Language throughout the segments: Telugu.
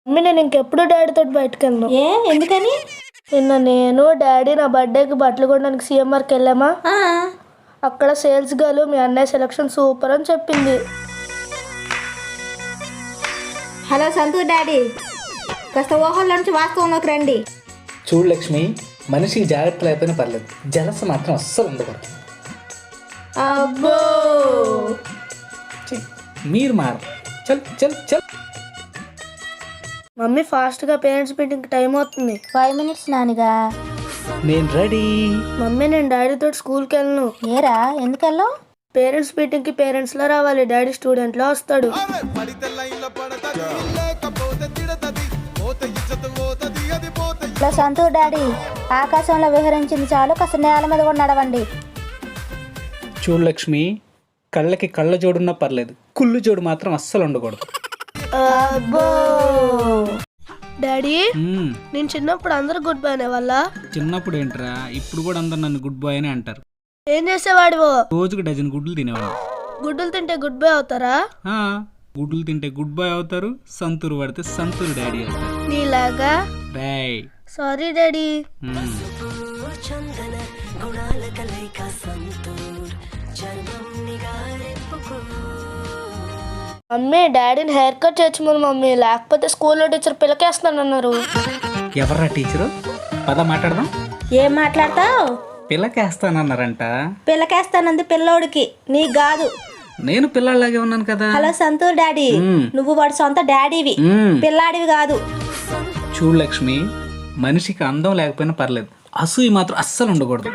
మమ్మీ నేను ఇంకెప్పుడు డాడీతో బయటకు వెళ్ళను. ఎందుకని? నిన్న నేను డాడీ నా బర్త్డేకి బట్టలు కొనడానికి సిఎంఆర్కి వెళ్ళామా, అక్కడ సేల్స్ గర్ల్ మీ అన్నయ్య సెలక్షన్ సూపర్ అని చెప్పింది. హలో సంతూర్ డాడీ, కాస్త ఊహల్లో నుంచి వాస్తవంలోకి రండి. చూడు లక్ష్మి, మనిషికి జాగ్రత్త లేకపోయినా పర్లేదు, జలస మాత్రం అస్సలు ఉండకూడదు. అబ్బో మీరు మారు. చల్ చల్ చల్. మమ్మీ ఫాస్ట్గా పేరెంట్స్ మీటింగ్ టైం అవుతుంది. 5 minutes నానిగా. నేను రెడీ. మమ్మీ నేను డాడీతో స్కూల్కి వెళ్ళను. ఏరా ఎందుకెళ్ళావు? పేరెంట్స్ మీటింగ్కి పేరెంట్స్లో రావాలి, డాడీ స్టూడెంట్లో వస్తాడు. ఇలా సంతూర్ డాడీ ఆకాశంలో విహరించింది చాలు, కాస్త నేల మీద కూడా నడవండి. చూడు లక్ష్మి, కళ్ళకి కళ్ళ జోడున్నా పర్లేదు, కుళ్ళు జోడు మాత్రం అస్సలు ఉండకూడదు. అబ్బో డాడీ నేను చిన్నప్పుడు అందరు గుడ్ బాయ్ అనేవాళ్ళ. చిన్నప్పుడు ఏంట్రా, ఇప్పుడు కూడా అందరు నన్ను గుడ్ బాయ్ అని అంటారు. ఏం చేసేవాడివో? రోజుకు డజన్ గుడ్లు తినేవాడు. గుడ్డులు తింటే గుడ్ బాయ్ అవుతారా? గుడ్లు తింటే గుడ్ బాయ్ అవుతారు, సంతూరు పడితే సంతూరు డాడీ అవుతారు. నీలాగా. బాయ్. Sorry daddy. మమ్మీ డాడీని హెయిర్ కట్ చేయమని మమ్మీ, లేకపోతే స్కూల్లో టీచర్ పిల్లకేస్తానన్నారు. ఎవర్రా టీచరు? పద మాట్లాడదాం. ఏం మాట్లాడతావు? పిల్లకేస్తానన్నారంట. పిల్లకేస్తానంది పిల్లోడికి, నీకు కాదు. నేను పిల్లాడిలాగే ఉన్నాను కదా. హలో సంతూర్ డాడీ, నువ్వు వాడి సొంత డాడీవి, పిల్లాడివి కాదు. చూడు లక్ష్మి, మనిషికి అందం లేకపోయినా పర్లేదు, అసూయి మాత్రం అస్సలు ఉండకూడదు.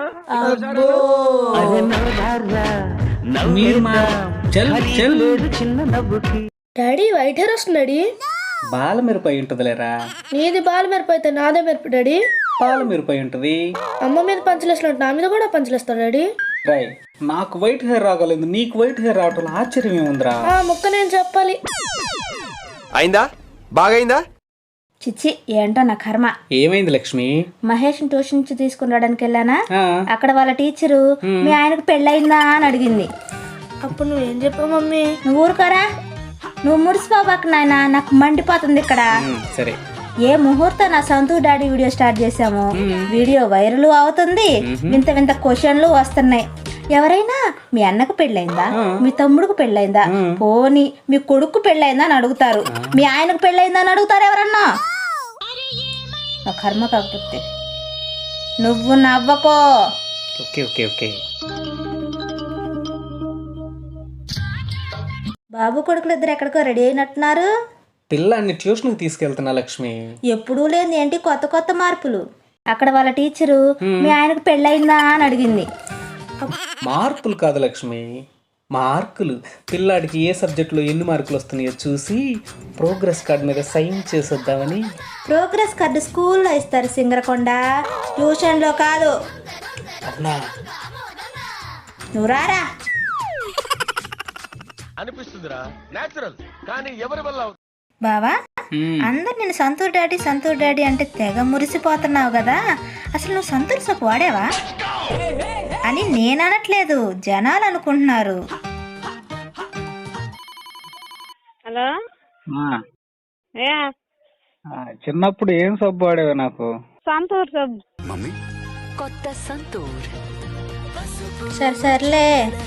డాడీ వైట్ హెయిర్ వస్తుంది. బాల మిరపై ఉంటదిలేరా. నీది బాల మిరప అయితే నాదే మిరప డాడీ. పాల మిరపై ఉంటది. అమ్మ మీద పంచలేసినట్టు నా మీద కూడా పంచలేస్తాడు డాడీ. రై, నాకు వైట్ హెయిర్ రాగలేదు, నీకు వైట్ హెయిర్ రావటం ఆశ్చర్యం ఏముందిరా. ఆ ముక్క నేను చెప్పాలి. అయిందా? బాగైందా? చిచ్చి ఏంటో నా కర్మ. ఏమైంది లక్ష్మి? మహేష్ ట్యూషన్ నుంచి తీసుకుని రావడానికి వెళ్ళానా, అక్కడ వాళ్ళ టీచరు మీ ఆయనకు పెళ్ళయిందా అని అడిగింది. అప్పుడు నువ్వేం చెప్పావు మమ్మీ? నువ్వు ఊరుకోరా, నువ్వు ముడిసిపోబాక నాయన, నాకు మండిపోతుంది ఇక్కడ. సరే, ఏ ముహూర్తం నా సంతూర్ డాడీ వీడియో స్టార్ట్ చేసాము, వీడియో వైరల్ అవుతుంది, వింత వింత క్వశ్చన్లు వస్తున్నాయి. ఎవరైనా మీ అన్నకు పెళ్ళైందా, మీ తమ్ముడుకు పెళ్ళైందా, పోనీ మీ కొడుకు పెళ్ళైందా అని అడుగుతారు, మీ ఆయనకు పెళ్ళైందా అని అడుగుతారు ఎవరన్నా. నా కర్మ కాకపోతే నువ్వు నవ్వకో. Okay okay okay. బాబు కొడుకులు ఇద్దరు ఎక్కడికో రెడీ అయినట్టున్నారు. పిల్లాన్ని ట్యూషన్కి తీసుకెళ్తున్నా లక్ష్మి. ఎప్పుడూ లేని ఏంటి కొత్త కొత్త మార్పులు. అక్కడ వాళ్ళ టీచరు మీ ఆయనకు పెళ్ళయిందా అని అడిగింది. మార్పులు కాదు లక్ష్మి, మార్కులు. పిల్లాడికి ఏ సబ్జెక్టులో ఎన్ని మార్కులు వస్తున్నాయో చూసి ప్రోగ్రెస్ కార్డు మీద సైన్ చేసేద్దామని. ప్రోగ్రెస్ కార్డు స్కూల్లో ఇస్తారు సింగరకొండ, ట్యూషన్లో కాదు. అవునా? నువ్వు రారా. అనిపిస్తుందిరా నేచురల్, కానీ ఎవరి వల్ల? బావా, అందరు నేను సంతూర్ డాడీ అంటే తెగ మురిసిపోతున్నావు కదా, అసలు నువ్వు సంతూర్ సోపు వాడేవా అని నేను అనట్లేదు, జనాలు అనుకుంటున్నారు. హలో, చిన్నప్పుడు ఏం సబ్బు వాడేవా? నాకు సంతూర్ సబ్బు. మమ్మీ కొత్త సంతూర్. సర్లే.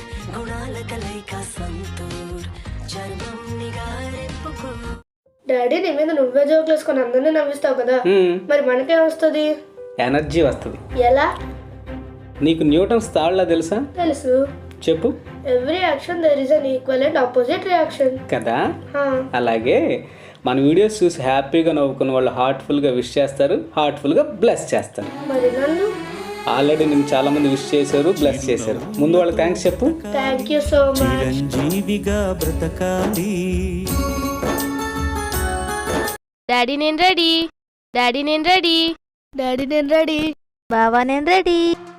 డాడీ నీ మీద నువ్వే జోకులు వేసుకొని అందరినీ నవ్విస్తావు కదా, మరి మనకేం వస్తుంది? ఎనర్జీ వస్తుంది. ఎలా? నీకు న్యూటన్స్ తాళ్ళ తెలుసా? తెలుసు. చెప్పు. Every action there is an equal and opposite reaction కదా. అలాగే మన వీడియోస్ చూసి హ్యాపీగా నవ్వుకున్న వాళ్ళు హార్ట్ఫుల్గా విష్ చేస్తారు, హార్ట్ఫుల్గా బ్లెస్ చేస్తారు. మరి నన్ను ఆల్రెడీ నేను చాలా మంది విష్ చేశారు, బ్లెస్ చేశారు. ముందు వాళ్ళకి థ్యాంక్స్ చెప్పు. Thank you so much. Daddy నేను రెడీ, డాడీ నేను రెడీ, డాడీ నేను రెడీ, బావా నేను రెడీ.